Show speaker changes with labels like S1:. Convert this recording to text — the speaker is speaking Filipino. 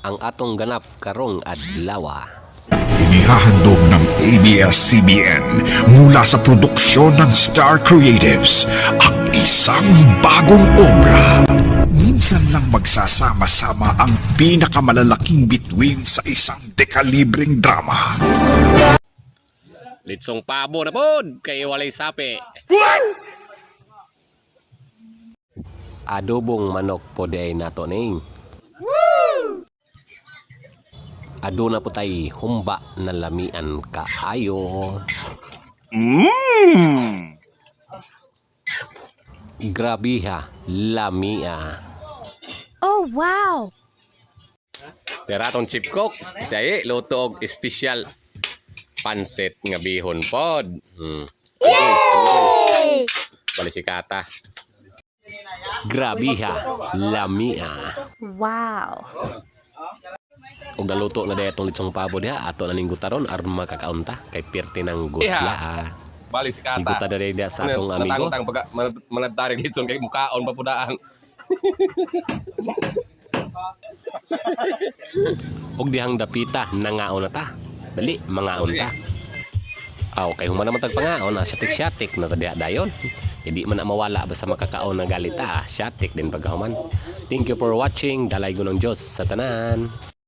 S1: ang atong ganap karong adlaw.
S2: Inihahandog ng ABS-CBN mula sa produksyon ng Star Creatives ang isang bagong obra. Minsan lang magsasama-sama ang pinakamalalaking bituin sa isang dekalibreng drama.
S1: Litsong pabo na pod kay walay sapi. Adobong manok po day nato ning. Aduna po tay humba na lamian kaayo. Grabe ha, lamia.
S3: Oh, wow!
S1: Teratong chip cook, say luto og espesyal pansit nga bihon pod.
S3: Yay!
S1: Balisikata. Grabe ha, lamia.
S3: Wow!
S1: Ug naluto na daytong litsong pabo diha, ato na ning gutaron aron makakaunta kay pirti ng gusla.
S4: Balisikata.
S1: Iguta na diha sa atong amigo.
S4: Matangtang pag manadtaring dito kay mukaon papudaan.
S1: Og dihang dapita nangaon na ta. Dali, mangaon ta. Aw, kay human naman tagpangaon, syatik-syatik na tadiya dayon. Hindi man na mawala basta makakaon ng galita, syatik din pagkahuman. Thank you for watching. Dalay ko ng Diyos sa tanan.